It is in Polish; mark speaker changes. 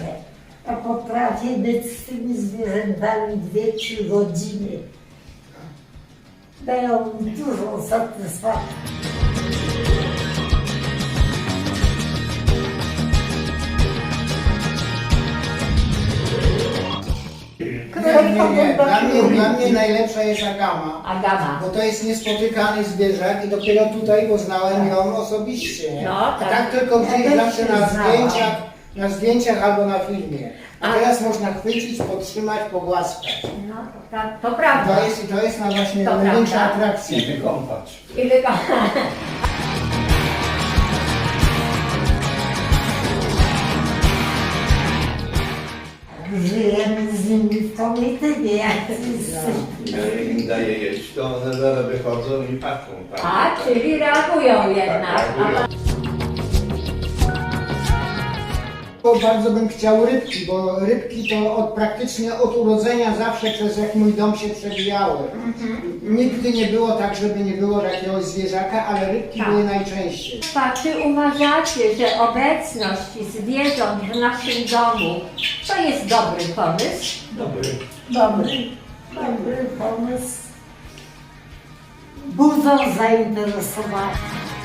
Speaker 1: dobrze. Ja potrafię być z tymi zwierzętami 2-3 godziny. Dają mi dużą satysfakcję.
Speaker 2: Dla mnie najlepsza jest agama.
Speaker 3: Agama.
Speaker 2: Bo to jest niespotykany zwierzak i dopiero tutaj poznałem ją osobiście. Nie?
Speaker 3: No, tak.
Speaker 2: Tak tylko gdzieś
Speaker 1: Ja
Speaker 2: zawsze
Speaker 1: też
Speaker 2: na zdjęciach albo na filmie. A teraz można chwycić, podtrzymać, pogłaskać.
Speaker 3: No, to prawda.
Speaker 2: To jest na właśnie
Speaker 3: To
Speaker 2: największa
Speaker 3: prawda.
Speaker 2: atrakcja.
Speaker 4: I wykąpać.
Speaker 3: I wygląda.
Speaker 1: Żyjemy z nimi w komitywie, jak
Speaker 4: Ja im daję jeść, to one zaraz wychodzą i patrzą.
Speaker 3: A, czyli reagują jednak.
Speaker 2: Bo bardzo bym chciał rybki, bo rybki to praktycznie od urodzenia zawsze przez jak mój dom się przewijały. Nigdy nie było tak, żeby nie było jakiegoś zwierzaka, ale rybki
Speaker 3: Tak.
Speaker 2: były najczęściej.
Speaker 3: Czy uważacie, że obecność zwierząt w naszym domu to jest dobry pomysł?
Speaker 1: dobry pomysł. Budzą zainteresowanie.